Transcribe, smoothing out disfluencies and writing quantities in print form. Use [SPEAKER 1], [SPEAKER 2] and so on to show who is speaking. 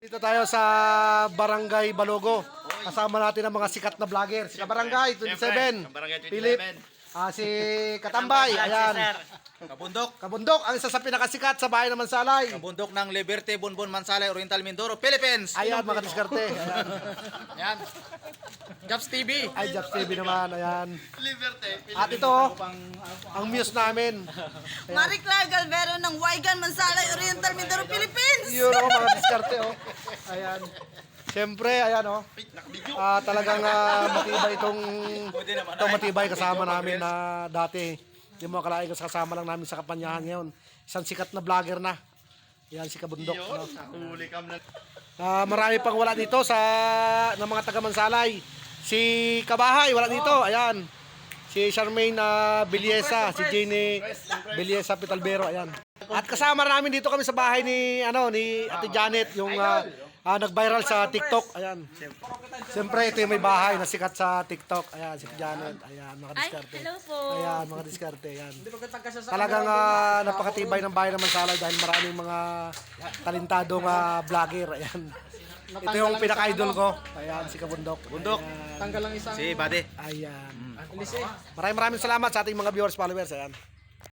[SPEAKER 1] Dito tayo sa Barangay Balogo. Kasama natin ang mga sikat na vlogger. Si Kabarangay 27. Philip. Si Katambay. Ayan. Kabundok. Ang isa sa pinakasikat sa bahay ng Mansalay.
[SPEAKER 2] Kabundok ng Liberty, Bonbon, Mansalay, Oriental, Mindoro, Philippines.
[SPEAKER 1] Ayan, mga diskarte. Ayan.
[SPEAKER 2] Ayan. Jobs TV.
[SPEAKER 1] Ay, Japs TV naman. Ayan. At ito, ang muse namin.
[SPEAKER 3] Marie Claire Galvero ng Waigan, Mansalay, Oriental, Mindoro, Philippines.
[SPEAKER 1] Yun o, mga diskarte o. Ayan. Siyempre, ayan o. Talagang matibay itong matibay kasama namin na dati. Hindi mo akalain kasi kasama lang namin sa Kapanyahan ngayon. Isang sikat na vlogger na. Ayan si Kabundok. No? Marami pang wala dito ng mga taga Mansalay. Si Kabahay wala dito. Ayan. Si Charmaine Biliesa, si Jenny Biliesa Pitalbero. Ayan. At kasama namin dito kami sa bahay ni Ate Janet, yung nag-viral sa TikTok. Ayan. Siyempre ito yung may bahay na sikat sa TikTok. Ayan, si Janet. Ayan, mga diskarte.
[SPEAKER 3] Hello po.
[SPEAKER 1] Ayan, mga diskarte. Ayan. Talagang napakatibay ng bahay ng Mansalay dahil maraming mga talentadong vlogger. Ayan. Ito yung pinaka-idol ko. Ayan, si Kabundok.
[SPEAKER 2] Bundok.
[SPEAKER 1] Tanggal lang isang.
[SPEAKER 2] Si Bade.
[SPEAKER 1] Ayan. Maraming salamat sa ating mga viewers, followers. Ayan.